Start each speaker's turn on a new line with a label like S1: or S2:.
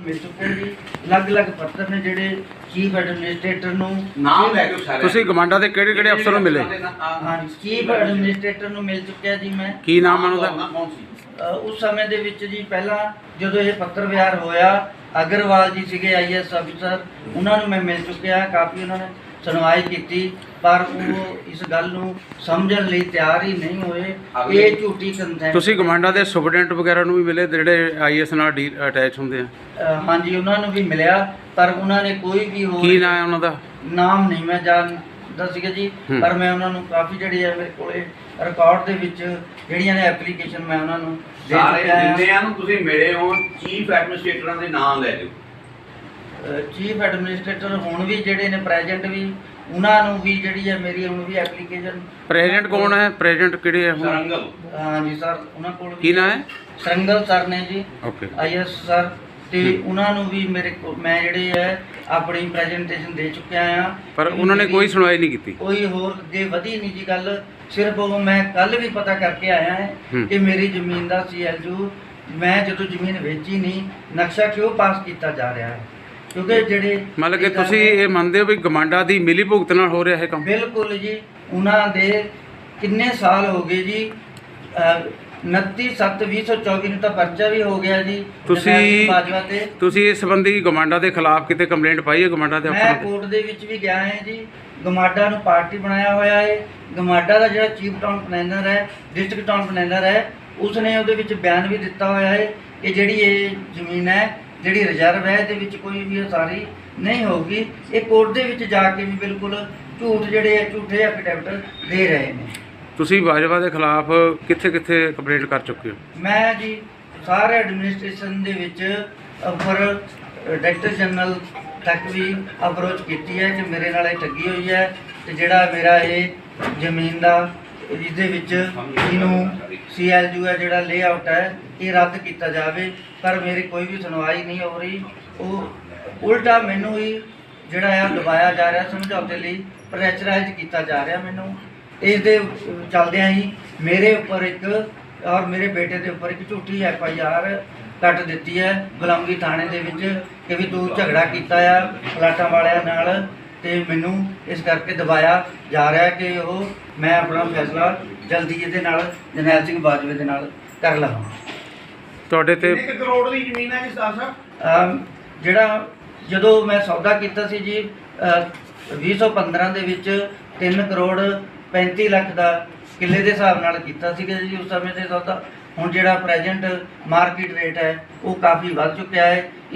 S1: मिल चुके हैं जी। अलग-अलग पत्र ने जिहड़े चीफ एडमिनिस्ट्रेटर नूं
S2: नाम लै के सारे
S3: ਤੁਸੀਂ ਗਮਾਂਡਾ ਦੇ ਕਿਹੜੇ ਅਫਸਰ ਨੂੰ ਮਿਲੇ?
S1: हाँ चीफ एडमिनिस्ट्रेटर नूं मिल चुकिया जी मैं।
S3: ਕੀ ਨਾਮ ਹੈ ਉਹਦਾ?
S2: कौन सी
S1: ਉਸ ਸਮੇਂ ਦੇ ਵਿੱਚ ਜੀ ਪਹਿਲਾਂ ਜਦੋਂ ਇਹ ਪੱਤਰ ਵਿਹਾਰ ਹੋਇਆ ਅਗਰਵਾਲ ਜੀ ਸੀਗੇ ਆਈਐਸ ਅਫਸਰ, ਉਹਨਾਂ ਨੂੰ ਮੈਂ ਮਿਲ ਚੁੱਕਿਆ, ਕਾਫੀ ਉਹਨਾਂ ਨੇ ਸੁਣਵਾਈ ਕੀਤੀ, ਪਰ ਉਹ ਇਸ ਗੱਲ ਨੂੰ ਸਮਝਣ ਲਈ ਤਿਆਰ ਹੀ ਨਹੀਂ ਹੋਏ। ਇਹ ਝੂਠੀ ਕੰਸੈਂਟ।
S3: ਤੁਸੀਂ ਗਮਾਂਡਾ ਦੇ ਸੁਪਰਡੈਂਟ ਵਗੈਰਾ ਨੂੰ ਵੀ ਮਿਲੇ ਜਿਹੜੇ ਆਈਐਸ ਨਾਲ ਅਟੈਚ ਹੁੰਦੇ ਆ?
S1: ਹਾਂਜੀ ਉਹਨਾਂ ਨੂੰ ਵੀ ਮਿਲਿਆ, ਪਰ ਉਹਨਾਂ ਨੇ ਕੋਈ ਵੀ ਹੋਰ
S3: ਕੀ ਨਾਮ ਹੈ ਉਹਨਾਂ ਦਾ?
S1: ਨਾਮ ਨਹੀਂ ਮੈਂ ਜਾਣਦਾ ਸੀਗਾ ਜੀ, ਪਰ ਮੈਂ ਉਹਨਾਂ ਨੂੰ ਕਾਫੀ ਜਿਹੜੀ ਹੈ ਮੇਰੇ ਕੋਲੇ ਰਿਕਾਰਡ ਦੇ ਵਿੱਚ ਜਿਹੜੀਆਂ ਨੇ ਐਪਲੀਕੇਸ਼ਨ ਮੈਂ ਉਹਨਾਂ ਨੂੰ ਦੇ
S2: ਸਾਰੇ
S1: ਚੁੱਕਿਆ ਹਾਂ।
S2: ਜਿੰਨਿਆਂ ਨੂੰ ਤੁਸੀਂ ਮਿਲੇ ਹੋ ਚੀਫ ਐਡਮਿਨਿਸਟ੍ਰੇਟਰਾਂ ਦੇ ਨਾਮ ਲੈ ਦਿਓ।
S1: ਚੀਫ ਐਡਮਿਨਿਸਟ੍ਰੇਟਰ ਹੁਣ ਵੀ ਜਿਹੜੇ ਨੇ ਪ੍ਰੈਜ਼ੈਂਟ ਵੀ, ਉਹਨਾਂ ਨੂੰ ਵੀ ਜਿਹੜੀ ਹੈ ਮੇਰੀ ਹੁਣ ਵੀ ਐਪਲੀਕੇਸ਼ਨ।
S3: ਪ੍ਰੈਜ਼ੀਡੈਂਟ ਕੌਣ ਹੈ? ਪ੍ਰੈਜ਼ੀਡੈਂਟ ਕਿਹੜੇ ਹੈ ਹੁਣ?
S2: ਸਰੰਗਲ
S1: ਹਾਂਜੀ ਸਰ, ਉਹਨਾਂ ਕੋਲ ਵੀ
S3: ਕੀ ਨਾਮ ਹੈ?
S1: ਸਰੰਗਲ ਸਰ ਨੇ ਜੀ,
S3: ਓਕੇ।
S1: ਆਈਐਸ ਸਰ, ਤੇ ਉਹਨਾਂ ਨੂੰ ਵੀ ਮੇਰੇ ਕੋਲ ਮੈਂ ਜਿਹੜੇ ਹੈ ਆਪਣੀ ਪ੍ਰੈਜੈਂਟੇਸ਼ਨ ਦੇ ਚੁੱਕਿਆ ਆ,
S3: ਪਰ ਉਹਨਾਂ ਨੇ ਕੋਈ ਸੁਣਵਾਈ ਨਹੀਂ ਕੀਤੀ।
S1: ਕੋਈ ਹੋਰ ਅੱਗੇ ਵਧੀ ਨਹੀਂ ਜੀ ਗੱਲ। ਸਿਰਫ ਉਹ ਮੈਂ ਕੱਲ ਵੀ ਪਤਾ ਕਰਕੇ ਆਇਆ ਹੈ ਕਿ ਮੇਰੀ ਜ਼ਮੀਨ ਦਾ ਸੀਐਲਯੂ ਮੈਂ ਜਦੋਂ ਜ਼ਮੀਨ ਵੇਚੀ ਨਹੀਂ, ਨਕਸ਼ਾ ਕਿਉਂ ਪਾਸ ਕੀਤਾ ਜਾ ਰਿਹਾ ਹੈ, ਕਿਉਂਕਿ ਜਿਹੜੇ
S3: ਮਤਲਬ ਕਿ ਤੁਸੀਂ ਇਹ ਮੰਨਦੇ ਹੋ ਵੀ ਗਮਾਂਡਾ ਦੀ ਮਿਲੀ ਭੁਗਤ ਨਾਲ ਹੋ ਰਿਹਾ ਇਹ ਕੰਮ?
S1: ਬਿਲਕੁਲ ਜੀ। ਉਹਨਾਂ ਦੇ ਕਿੰਨੇ ਸਾਲ ਹੋ ਗਏ ਜੀ, 29/7/2024 ਨੂੰ ਤਾਂ ਪਰਚਾ ਵੀ ਹੋ ਗਿਆ ਜੀ ਬਾਜਵਾ ਤੇ।
S3: ਤੁਸੀਂ ਇਸ ਸੰਬੰਧੀ ਗਮਾਂਡਾ ਦੇ ਖਿਲਾਫ ਕਿਤੇ ਕੰਪਲੇਂਟ ਪਾਈ ਹੈ ਗਮਾਂਡਾ ਦੇ
S1: ਮੈਂ
S3: ਅਫਸਰਾਂ ਤੇ?
S1: ਕੋਰਟ ਦੇ ਵਿੱਚ ਵੀ ਗਿਆ ਹੈ ਜੀ। ਗਮਾਡਾ ਨੂੰ ਪਾਰਟੀ ਬਣਾਇਆ ਹੋਇਆ ਹੈ। ਗਮਾਡਾ ਦਾ ਜਿਹੜਾ ਚੀਫ ਟਾਊਨ ਪਲੈਨਰ ਹੈ, ਡਿਸਟ੍ਰਿਕਟ ਟਾਊਨ ਪਲੈਨਰ ਹੈ, ਉਸਨੇ ਉਹਦੇ ਵਿੱਚ ਬਿਆਨ ਵੀ ਦਿੱਤਾ ਹੋਇਆ ਹੈ ਕਿ ਜਿਹੜੀ ਇਹ ਜ਼ਮੀਨ ਹੈ, ਜਿਹੜੀ ਰਿਜ਼ਰਵ ਹੈ, ਇਹਦੇ ਵਿੱਚ ਕੋਈ ਵੀ ਉਸਾਰੀ ਨਹੀਂ ਹੋਊਗੀ। ਇਹ ਕੋਰਟ ਦੇ ਵਿੱਚ ਜਾ ਕੇ ਵੀ ਬਿਲਕੁਲ ਝੂਠ ਜਿਹੜੇ ਹੈ, ਝੂਠੇ ਐਫੀਡੈਵਿਟ ਦੇ ਰਹੇ ਨੇ।
S3: ਤੁਸੀਂ ਬਾਜਵਾ ਦੇ ਖਿਲਾਫ ਕਿੱਥੇ ਕੰਪਲੇਂਟ ਕਰ ਚੁੱਕੇ ਹੋ?
S1: ਮੈਂ ਜੀ ਸਾਰੇ ਐਡਮਿਨਿਸਟ੍ਰੇਸ਼ਨ ਦੇ ਵਿੱਚ ਉੱਪਰ ਡਾਇਰੈਕਟਰ ਜਨਰਲ ਤੱਕ ਵੀ ਅਪਰੋਚ ਕੀਤੀ ਹੈ ਕਿ ਮੇਰੇ ਨਾਲ ਇਹ ਠੱਗੀ ਹੋਈ ਹੈ, ਤੇ ਜਿਹੜਾ ਮੇਰਾ ਇਹ ਜ਼ਮੀਨ ਦਾ ਇਹਦੇ ਵਿੱਚ ਇਹਨੂੰ ਸੀਐਲਯੂ ਹੈ, ਜਿਹੜਾ ਲੇਆਊਟ ਹੈ, ਇਹ ਰੱਦ ਕੀਤਾ ਜਾਵੇ, ਪਰ ਮੇਰੀ ਕੋਈ ਵੀ ਸੁਣਵਾਈ ਨਹੀਂ ਹੋ ਰਹੀ। ਉਹ ਉਲਟਾ ਮੈਨੂੰ ਹੀ ਜਿਹੜਾ ਆ ਦਬਾਇਆ ਜਾ ਰਿਹਾ, ਸਮਝੌਤੇ ਲਈ ਪ੍ਰੈਸ਼ਰਾਈਜ਼ ਕੀਤਾ ਜਾ ਰਿਹਾ ਮੈਨੂੰ। ਇਸ ਦੇ ਚੱਲਦਿਆਂ ਹੀ ਮੇਰੇ ਉੱਪਰ ਇੱਕ ਔਰ ਮੇਰੇ ਬੇਟੇ ਦੇ ਉੱਪਰ ਇੱਕ ਝੂਠੀ FIR ਕੱਟ ਦਿੱਤੀ ਹੈ ਗੁਲਾਮਗੀਰ ਥਾਣੇ ਦੇ ਵਿੱਚ ਕਿ ਵੀ ਤੂੰ ਝਗੜਾ ਕੀਤਾ ਆ ਪਲਾਟਾਂ ਵਾਲਿਆਂ ਨਾਲ, ਤੇ ਮੈਨੂੰ ਇਸ ਕਰਕੇ ਦਬਾਇਆ ਜਾ ਰਿਹਾ ਕਿ ਉਹ ਮੈਂ ਆਪਣਾ ਫੈਸਲਾ ਜਲਦੀ ਇਹਦੇ ਨਾਲ ਜਰਨੈਲ ਸਿੰਘ ਬਾਜਵੇ ਦੇ ਨਾਲ ਕਰ ਲਵਾਂ।
S3: ਤੁਹਾਡੇ ਤੇ
S2: 1 ਕਰੋੜ ਦੀ ਜ਼ਮੀਨ ਹੈ ਜੀ ਸਾਹਿਬ?
S1: ਜਿਹੜਾ ਜਦੋਂ ਮੈਂ ਸੌਦਾ ਕੀਤਾ ਸੀ ਜੀ 2015 ਦੇ ਵਿੱਚ 3 ਕਰੋੜ 35 ਲੱਖ ਦਾ ਕਿੱਲੇ ਦੇ ਹਿਸਾਬ ਨਾਲ ਕੀਤਾ ਸੀਗਾ ਜੀ ਉਸ ਸਮੇਂ ਤੇ ਸੌਦਾ। ਹੁਣ ਜਿਹੜਾ ਪ੍ਰੈਜ਼ੈਂਟ ਮਾਰਕੀਟ ਰੇਟ ਹੈ ਉਹ ਕਾਫੀ ਵੱਧ ਚੁੱਕਿਆ ਹੈ।